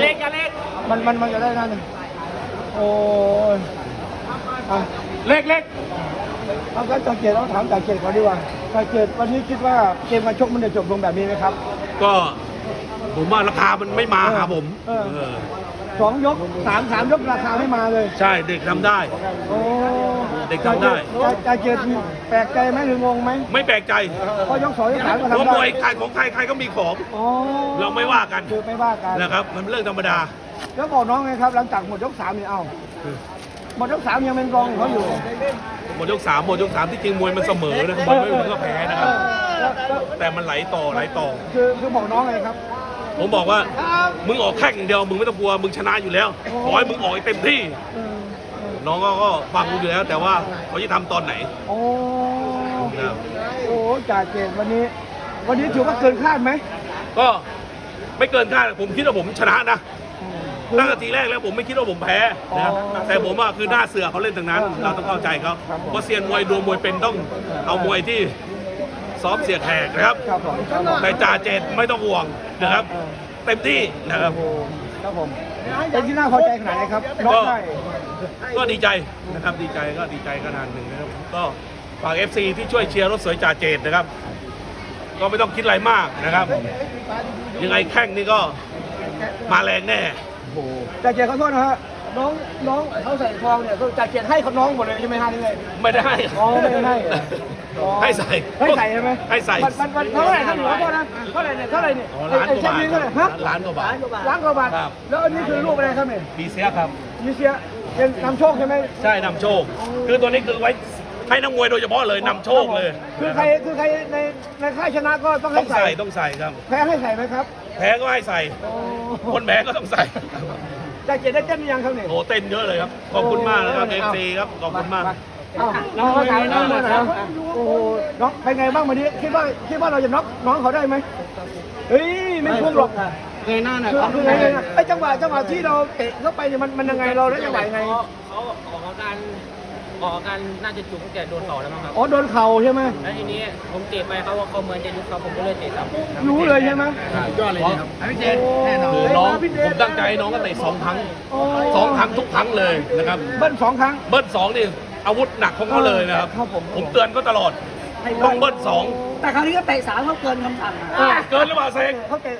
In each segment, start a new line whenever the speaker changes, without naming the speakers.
เล็กอย่าเล็ก
มันจะได้นั่นโอ้ย
เล็ก
เอาการจ่าเกียรติเราถามจ่าเกียรติก่อนดีกว่าจ่าเกียรติวันนี้คิดว่าเกมการชกมันจะจบลงแบบนี้ไหมครับ
ก็ผมว่าราคามันไม่มาหาผม
2 ยก 3 ยกราคาไม่มาเลย
ใช่เด็กทำได้เด็กทำได้
จ่าเกียรติแปลกใจไหมหรืองงไหม
ไม่แปลกใจ
เพราะยก 2 ยก 3ก็ทำได้
มวยขายของใครก็มีของเราไม่ว่ากัน
คือไม่ว่ากัน
นะครับมันเรื่องธรรมดา
แล้วบอกน้องไงครับหลังจากหมดยก 3เนี่ยหมดยก 3ยังเป็นรองเขาอยู่
หมดยก 3ที่จริงมวยมันเสมอนะมันไม่เหมือนกับแพ้นะครับแต่มันไหลต่อ
คือบอกน้องไงครับ
ผมบอกว่ามึงออกแข่งอย่างเดียวมึงไม่ต้องกลัวมึงชนะอยู่แล้วขอให้มึงออกให้เต็มที่น้องก็ฟังกูอยู่แล้วแต่ว่าเขาจะทำตอนไหน
โอ้จ่าเจตวันนี้ถือว่าเกินคาดไหม
ก็ไม่เกินคาดผมคิดว่าผมชนะนะตั้งแต่ทีแรกแล้วผมไม่คิดว่าผมแพ้นะแต่ผมว่าคือหน้าเสือเขาเล่นทางนั้นเราต้องเข้าใจเขาเพราะเซียนมวยดูมวยเป็นต้องเอามวยที่ซ้อมเสียแขกนะครับแต่จ่าเจตไม่ต้องห่วงนะครับเต็มที่นะครับ
ผมเป็นที่น่าพอใจขนาดไหนครับ
ก็ดีใจนะครับดีใจขนาดหนึ่งนะครับก็ฝาก FC ที่ช่วยเชียร์รถสวยจ่าเจตนะครับก็ไม่ต้องคิดอะไรมากนะครับยังไงแข้งนี่ก็มาแรงแน่
จ่าเจตขอโทษนะฮะน้องเขาใส่ทองเนี่ยจ่าเจตให้เขาน้องหมดเลยใช่ไหมฮะนี่เลย
ไม่ได้
ไม่ได้
ให้ใส่
ใช่ไหม
ให้ใส่
มันเท่าไหร่ท่านหลวงพ่อนะเท่าไหร่เนี่ยไอ้เช็คนี้เท่าไหร่ฮะ
ล้านกว่าบาท
แล้วอันนี้คือรูปอะไรครับเนี่ย
บีเซียครับ
บีเซียเป็นนำโชคใช่ไหม
ใช่นำโชคคือตัวนี้คือไว้ให้นักมวยโดยเฉพาะเลยนำโชคเลย
คือใครในค่ายชนะก็ต้องใ
ส่ครับ
แพ้ให้ใส่ไหมครับ
แพ้ก็ให้ใส่คนแพ้ก็ต้องใส่
จ่าเจตได้เต้นยังครับเนี่ย
โอ้เต้นเยอะเลยครับขอบคุณมากนะครับ FC ครับขอบคุณมาก
น้องถ่ายน้องนะครับโอ้น้องเป็นไงบ้างวันนี้คิดว่าเราจะน็อกน้องเขาได้ไหมเฮ้ยไม่คุ้มหรอก
เงยหน้าหน่อย
คือไงไอ้จังหวะที่เราเตะเข้าไปเนี่ยมันยังไงเราได้จังหวะไง
เขาออกอาการน่าจะจุกตั้งแต่โดนเข่าแล้วมั้งครับ
โดนเข่าใช่ไหม
แล้วทีนี้ผมเตะไปเขาเหมือนจะยุบเขาผมก็เลยเตะซ้
ำรู้เลยใช่ไหม
ยอดเลยครับ
พี่เจนแน่นอนคือน้องผมตั้งใจน้องก็เตะ2 ครั้งทุกครั้งเลยนะครับ
เบิ้ล2 ครั้ง
เบิ้ล2นี่อาวุธหนักของเขาเลยนะครับผมเตือนก็ตลอดต้องเบิ้ล2
แต่คราวนี้ก็เตะ3เขาเกินคำสั่ง
เกินหรือเปล่าเซง
เขาเตะ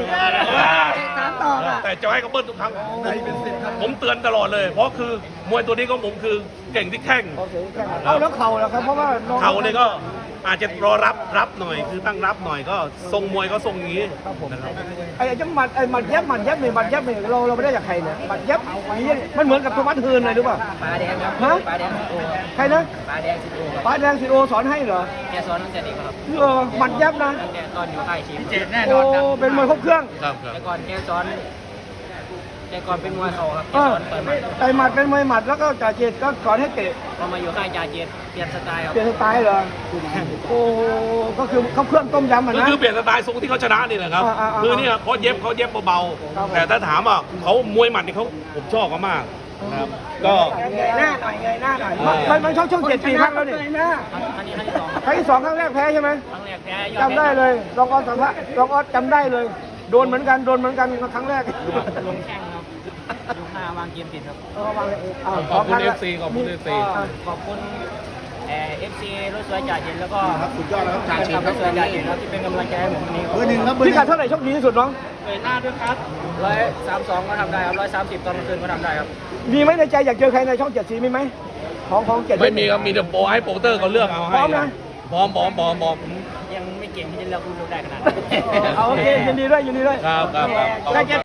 3 ต่อ
แต่จะให้เขาเบิ้ลทุกครั้งผมเตือนตลอดเลยเพราะคือมวยตัวนี้ของผมคือเก่งที่แข้ง
แล้วเข่าแล้วครับเพราะว่า
เข่าเนี่ยก็อาจจะรอรับหน่อยคือตั้งรับหน่อยก็ทรงมวยก็ทรงอย่างนี้
ไอ้จังหมัดเย็บเนี่ยเราไม่ได้จากใครเนี่ยหมัดเย็บมันเหมือนกับตัวมัดฮืนเลยหรือเปล่า
ปลาแดงครับปลาแดง
ใครนะปลาแดงสิโอสอนให้เหรอ
แกสอนตั้งแต่เด็กครับ
หมัดเย็บนะ
ตั้งแต่ตอนอยู่ค่ายชี
เจ็ดแน่นอนเป็นมวยครบเครื่อง
แต่ก่อนแกสอนเป็นมวยเข่าครับ
ต่หมัดเป็นมวยหมัดแล้วก็จ่าเจตก็สอนให้เตะ
พอมาอยู่ค่ายจ่าเจตเปลี่ยนสไตล์ครับ
เปลี่ยนสไตล์เหรอโอ้ก็คือเขาเครื่องต้มยำนะ
คือเปลี่ยนสไตล์ทรงที่เขาชนะนี่แหละครับคือเนี่ยเขาเย็บเบาๆแต่ถ้าถามว่าเขามวยหมัดนี่เขาผมชอบเขามากครับก็
เงยหน้าหน่อยมันช่อง7 ปีครั้งแล้วนี่
ครั้งที่
2ครั้งแรกแพ้ใช่ไหม
ครั้งแรกแพ้
จำได้เลยรองออสจำได้เลยโดนเหมือนกันครั้งแรก
ลงแข้งครับยก5วางเกมติดครับ
ขอบคุณ FC ขอบคุณ FC
ขอบคุณFC รถสวยจ่าเย็นแล้วก็
สุดยอดแล้วครับจ่าเย็น
รถสวยจ่าเย็นครับที่เป็นกำลังใจให้ผมวันนี้
พี่กัดเท่าไหร่โชคดีที่สุดน้อง
หน้าด้วยครับ132ก็ทำได้ครับ130ตอนกลางคืนก็ทำได้ครับ
มีไหมในใจอยากเจอใครในช่อง7 สีมีไหมของ7
ไม่มีครับมีแต่โปรให้โปรเตอร์เขาเลือกเอาให้
พร้อมนะ
พร้อม
ยังไม่เก่งที่จะเลือกคุณได้ขนาดนั้น
โอเคยินดีด้วย
ครับ